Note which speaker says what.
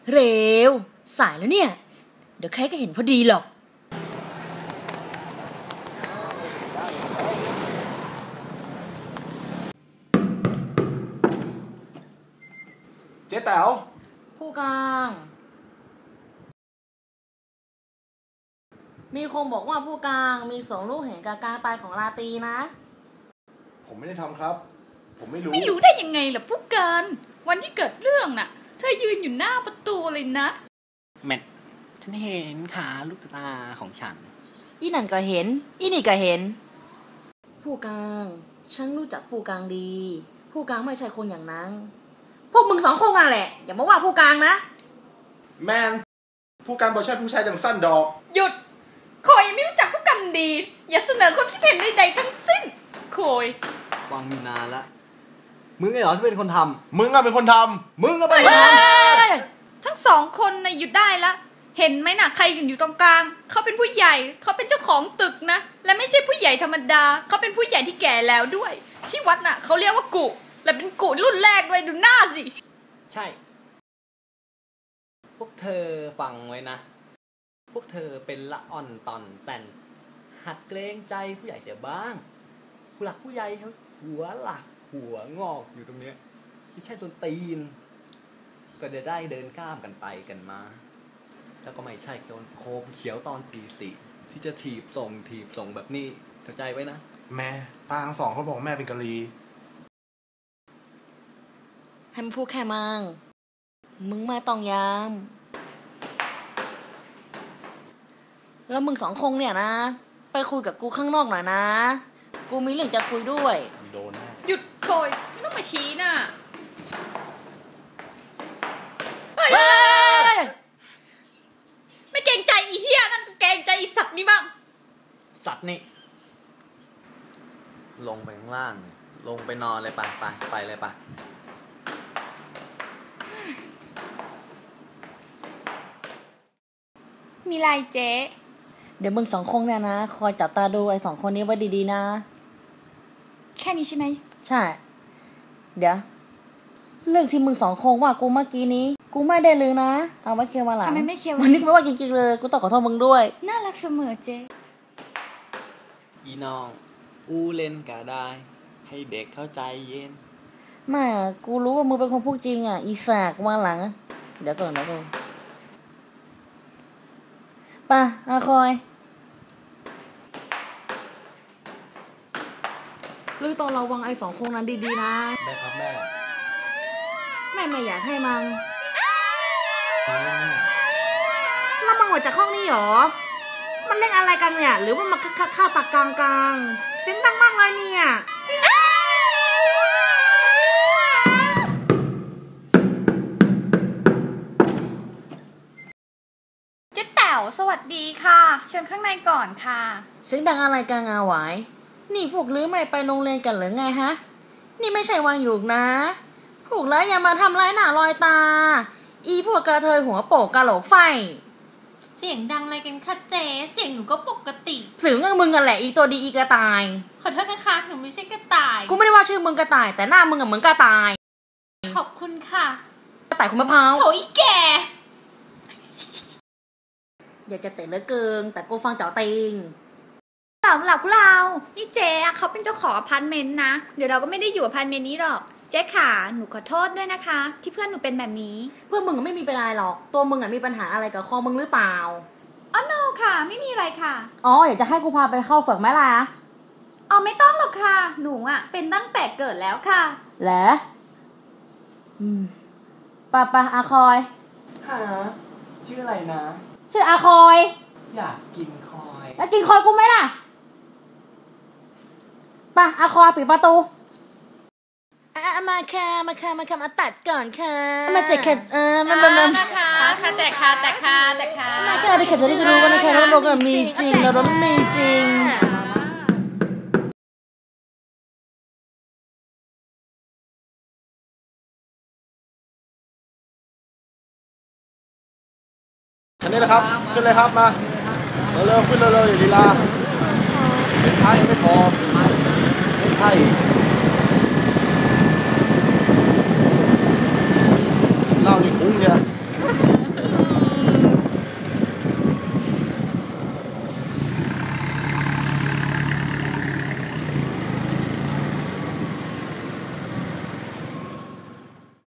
Speaker 1: เร็วสายแล้วเนี่ยเดี๋ยวใครก็เห็นพอดีหรอก
Speaker 2: เจ๊แต๋ว
Speaker 1: ผู้กองมีคนบอกว่าผู้กองมีส่งลูกเห็นการตายของราตรีนะ
Speaker 2: ผมไม่ได้ทำครับผมไม่รู้
Speaker 3: ได้ยังไงล่ะผู้การวันที่เกิดเรื่องน่ะเธอยืนอยู่หน้าประตูเลยนะ
Speaker 4: แม่ฉันเห็นขาลูกตาของฉัน
Speaker 1: อีนั่นก็เห็นอีนี่ก็เห็นผู้กองฉันรู้จักผู้กองดีผู้กองไม่ใช่คนอย่างนั้นพวกมึงสองคนมาแหละอย่ามาว่าผู้กองนะ
Speaker 2: แมนผู้การบอกใช่ผู้ชายอย่างสั้นดอก
Speaker 3: หยุดโคยไม่รู้จักผู้กันดีอย่าเสนอความคิดเห็นใดๆทั้งสิ้นโคย
Speaker 4: ฟังอยู่นานละมึงไงเหรอที่เป็นคนทำ
Speaker 2: มึงอะเป็นคนทำ
Speaker 4: มึงก็เป็นคนท
Speaker 3: ำทั้งสองคนน่ะหยุดได้ละเห็นไหมน่ะใครอยู่ตรงกลางเขาเป็นผู้ใหญ่เขาเป็นเจ้าของตึกนะและไม่ใช่ผู้ใหญ่ธรรมดาเขาเป็นผู้ใหญ่ที่แก่แล้วด้วยที่วัดน่ะเขาเรียกว่ากุและเป็นกุรุ่นแรกด้วยดูหน้าสิ
Speaker 4: ใช่พวกเธอฟังไว้นะพวกเธอเป็นละอ่อนตอนแต่นหัดเกรงใจผู้ใหญ่เสียบ้างผู้หลักผู้ใหญ่เขาหัวหลักหัวงอกอยู่ตรงเนี้ยที่ใช่ส้นตีนก็จะได้เดินข้ามกันไปกันมาแล้วก็ไม่ใช่โคมเขียวตอนตีสี่ที่จะถีบส่งแบบนี้เข้าใจไว้นะ
Speaker 2: แม่ป้าทั้งสองเขาบอกแม่เป็นกะลี
Speaker 1: ให้มันพูดแค่มึงมาต้องยามแล้วมึงสองคงเนี่ยนะไปคุยกับกูข้างนอกหน่อยนะกูมีเรื่องจะคุยด้วย
Speaker 2: โดนแน่
Speaker 3: หยุดโกยไม่ต้องมาชี้น่ะไม่เกรงใจอีเหี้ยนั่นเกรงใจอีสัตว์นี่บ้าง
Speaker 4: สัตว์นี่ลงไปข้างล่างลงไปนอนเลยไปเลยไป
Speaker 3: มีไรเจ๊
Speaker 1: เดี๋ยวมึงสองคนเนี่ยนะคอยจับตาดูไอ้สองคนนี้ไว้ดีๆนะ
Speaker 3: แค่นี้ใช่ไหม
Speaker 1: ใช่เดี๋ยวเรื่องที่มึงสองคนว่ากูเมื่อกี้นี้กูไม่ได้ลืมนะเอาไว้เคลียร์มาหลัง
Speaker 3: ทำไมไม่เคลียร์
Speaker 1: วันนี้กูไม่ว่าจริงๆเลยกูต้องขอโทษมึงด้วย
Speaker 3: น่ารักเสมอเจ๊
Speaker 4: อีน้องอูเล่นก็ได้ให้เด็กเข้าใจเย็น
Speaker 1: ไม่กูรู้ว่ามึงเป็นคนพูดจริงอ่ะอีสากมาหลังเดี๋ยวก่อนป่ะอาคอยลือตอนระวังไอ้สองคนนั้นดีๆนะ
Speaker 2: ได้ครับแม่
Speaker 1: ไม่อยากให้มังแล้วมังออกจากห้องนี้หรอมันเล่นอะไรกันเนี่ยหรือว่ามันข้าวตากลางเสียงดังมากเลยเนี่ย
Speaker 3: เจ๊แต๋วสวัสดีค่ะเชิญข้างในก่อนค่ะ
Speaker 1: เสียงดังอะไรกันอาหวายนี่พวกลือไม่ไปโรงเรียนกันหรือไงฮะนี่ไม่ใช่วันหยุดนะพวกแล้วอย่ามาทำร้ายหน้าลอยตาอีพวกกระเทยหัวโปกกะโหลกไฟ
Speaker 3: เสียงดังอะไรกันคะเจ๊เสียงหนูก็ปกติ
Speaker 1: เสียงมึงกันแหละอีตัวดีอีกระต่าย
Speaker 3: ขอโทษนะคะหนูไม่ใช่กระต่าย
Speaker 1: กูไม่ได้ว่าชื่อมึงกระต่ายแต่หน้ามึงเหมือนกระต่าย
Speaker 3: ขอบคุณค่ะ
Speaker 1: กระต่ายคุณมะพร้าว
Speaker 3: โถอีแก่
Speaker 1: อยากจะเตะเหลือเกินแต่กูฟังเจ้าติง
Speaker 3: หลับเรานี่เจ๊เขาเป็นเจ้าของอพาร์ตเมนต์นะเดี๋ยวเราก็ไม่ได้อยู่อพาร์ตเมนต์นี้หรอกเจ๊ขาหนูขอโทษด้วยนะคะที่เพื่อนหนูเป็นแบบนี้
Speaker 1: เพื่อนมึงไม่มีปัญหาหรอกตัวมึงมีปัญหาอะไรกับคอมึงหรือเปล่า
Speaker 3: อ๋อโนค่ะไม่มีอะไรค่ะ
Speaker 1: อ๋ออยากจะให้กูพาไปเข้าฝึกไหมล่ะ
Speaker 3: อ๋อไม่ต้องหรอกค่ะหนูเป็นตั้งแต่เกิดแล้วค่ะ
Speaker 1: เหรอป่ะอาคอย
Speaker 4: หาชื่ออะไรนะ
Speaker 1: ชื่ออาคอย
Speaker 4: อยากกินคอย
Speaker 1: แล้วกินคอยกูไหมล่ะป่ะอาคอยปิดประตูมาค่ะมาตัดก่อนค่ะมาแจกค่ะ
Speaker 3: นะคะแจกค่ะแต่ค่ะ
Speaker 1: มาค่ะได้ค่ะจะได้รู้ว่านะคะเราก็มีจริงเราไม่มีจริง
Speaker 2: คันนี้แหละครับขึ้นเลยครับมาเร็วขึ้นเร็วอย่าลีลาเป็นไทยไม่พอเป็นไทย